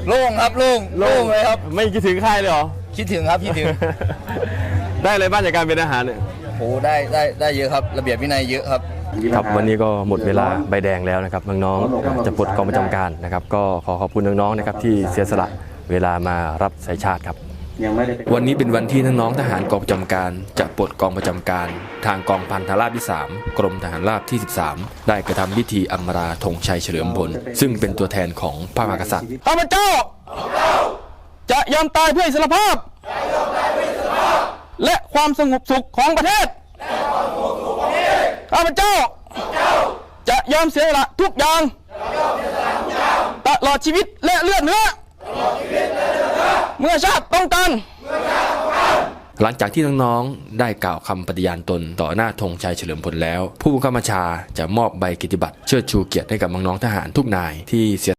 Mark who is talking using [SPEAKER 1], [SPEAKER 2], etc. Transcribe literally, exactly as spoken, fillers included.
[SPEAKER 1] โล่งครับโล่งโล่งเลยครับ
[SPEAKER 2] ไม่คิดถึงค่ายเลยเหรอ
[SPEAKER 1] คิดถึงครับคิดถึง
[SPEAKER 2] ได้อะไรบ้างจากการเป็นทหารเนี่ย
[SPEAKER 1] โอ้ได้ได้ได้เยอะครับระเบียบวินัยเยอะครับ
[SPEAKER 2] ครับวันนี้ก็หมดเวลาใบแดงแล้วนะครับน้องๆจะปลดกองประจำการนะครับก็ขอขอบคุณน้องๆนะครับที่เสียสละเวลามารับใช้ชาติครับวันนี้เป็นวันที่น้องๆทหารกองประจำการจะปลดกองประจำการทางกองพันทหารราบที่สามกรมทหารราบที่สิบสามได้กระทำพิธีอำลาธงชัยเฉลิมพลซึ่งเป็นตัวแทนของพระมหากษัตริย์ข้าพเจ้าจะยอมตายเพื่ออิสรภาพและความสงบสุขของประเทศข้าพเจ้าจะยอมเสียสละทุกอย่างตลอดชีวิตและเลือดเนื้อเมื่อชาติต้องการหลังจากที่น้องๆได้กล่าวคำปฏิญาณตนต่อหน้าธงชัยเฉลิมพลแล้วผู้บังคับบัญชาจะมอบใบเกียรติบัตรเชิดชูเกียรติให้กับน้องๆทหารทุกนายที่เสีย